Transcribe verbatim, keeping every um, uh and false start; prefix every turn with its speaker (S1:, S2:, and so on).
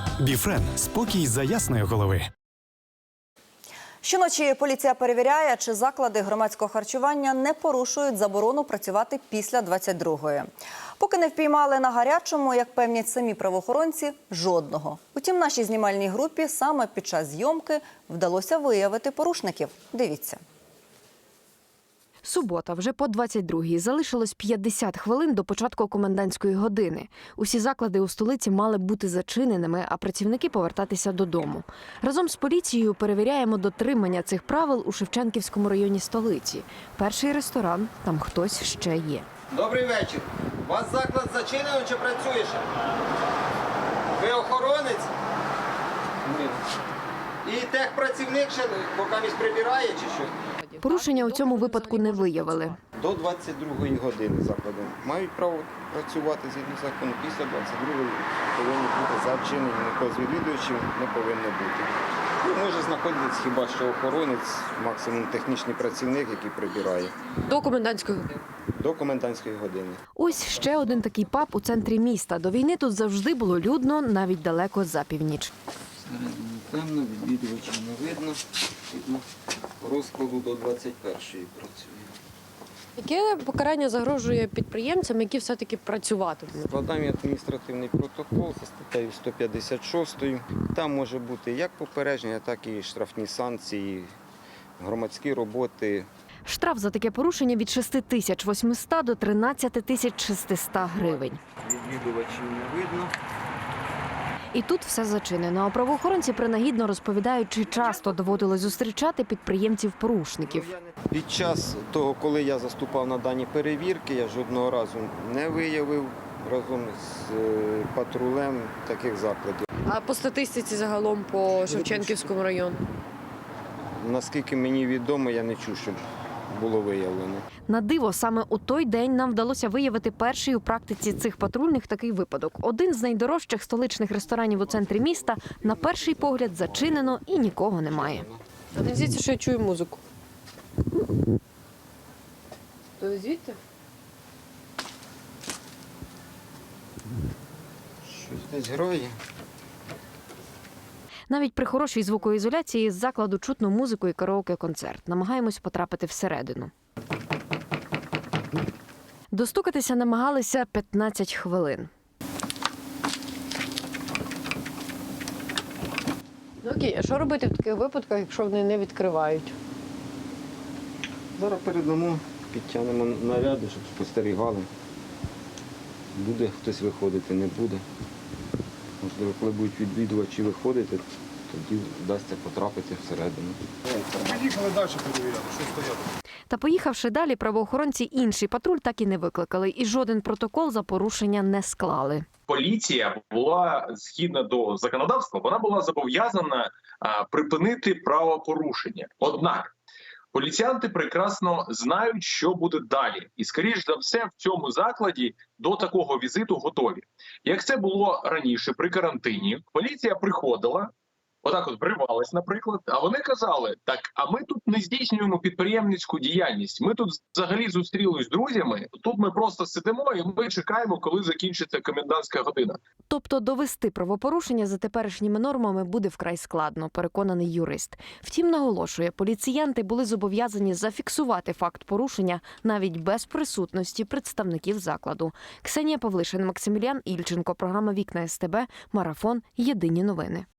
S1: Біфрен – спокій за ясної голови.
S2: Щоночі поліція перевіряє, чи заклади громадського харчування не порушують заборону працювати після двадцять другої. Поки не впіймали на гарячому, як певнять самі правоохоронці, жодного. Утім, нашій знімальній групі саме під час зйомки вдалося виявити порушників. Дивіться.
S3: Субота, вже по двадцять другій. Залишилось п'ятдесят хвилин до початку комендантської години. Усі заклади у столиці мали бути зачиненими, а працівники повертатися додому. Разом з поліцією перевіряємо дотримання цих правил у Шевченківському районі столиці. Перший ресторан, там хтось ще є.
S4: Добрий вечір. У вас заклад зачинений чи працює ще? Ви охоронець? Ні. І техпрацівник ще поки місь прибирає чи що?
S3: Порушення у цьому випадку не виявили.
S4: До двадцять другої години заклади мають право працювати згідно закону. Після двадцять другої повинні бути зачинені, ніхто з відвідувачів не повинно бути. Ну, може знаходитись хіба що охоронець, максимум технічний працівник, який прибирає.
S3: До комендантської години.
S4: До комендантської години.
S3: Ось ще один такий паб у центрі міста. До війни тут завжди було людно, навіть далеко за північ.
S4: Темно, відвідувачів не видно. Видно, розкладу до двадцять першої працює.
S5: Яке покарання загрожує підприємцям, які все-таки працюватимуть?
S4: Складаємо адміністративний протокол за статтею сто п'ятдесят шість. Там може бути як попередження, так і штрафні санкції, громадські роботи.
S3: Штраф за таке порушення від шести тисяч восьмисот до тринадцяти тисяч шестисот гривень.
S4: Відвідувачів не видно.
S3: І тут все зачинено. А правоохоронці принагідно розповідають, чи часто доводилось зустрічати підприємців-порушників.
S4: Під час того, коли я заступав на дані перевірки, я жодного разу не виявив разом з патрулем таких закладів.
S5: А по статистиці загалом по Шевченківському району?
S4: Наскільки мені відомо, я не чув, щоб було виявлено.
S3: На диво, саме у той день нам вдалося виявити перший у практиці цих патрульних такий випадок. Один з найдорожчих столичних ресторанів у центрі міста на перший погляд зачинено і нікого немає.
S5: А не здається, що я чую музику. То звідти?
S4: Щось десь грає.
S3: Навіть при хорошій звукоізоляції з закладу чутно музику і караоке-концерт. Намагаємось потрапити всередину. Достукатися намагалися п'ятнадцять хвилин.
S5: Ну окей, а що робити в таких випадках, якщо вони не відкривають?
S4: Зараз передамо, підтягнемо наряди, щоб спостерігали. Буде хтось виходити, не буде. Можливо, коли будуть відвідувачі виходити, тоді вдасться потрапити всередину.
S6: Поїхали далі перевіряти, що стояти.
S3: Та поїхавши далі, правоохоронці інший патруль так і не викликали. І жоден протокол за порушення не склали.
S7: Поліція була, згідно до законодавства, вона була зобов'язана а, припинити правопорушення. Однак поліціянти прекрасно знають, що буде далі. І, скоріш за все, в цьому закладі до такого візиту готові. Як це було раніше при карантині, поліція приходила, отак от вривалась, наприклад, а вони казали, так, а ми тут не здійснюємо підприємницьку діяльність, ми тут взагалі зустрілись з друзями, тут ми просто сидимо і ми чекаємо, коли закінчиться комендантська година.
S3: Тобто довести правопорушення за теперішніми нормами буде вкрай складно, переконаний юрист. Втім, наголошує, поліціянти були зобов'язані зафіксувати факт порушення навіть без присутності представників закладу. Ксенія Павлишин, Максиміліан Ільченко, програма «Вікна СТБ», Марафон, Єдині новини.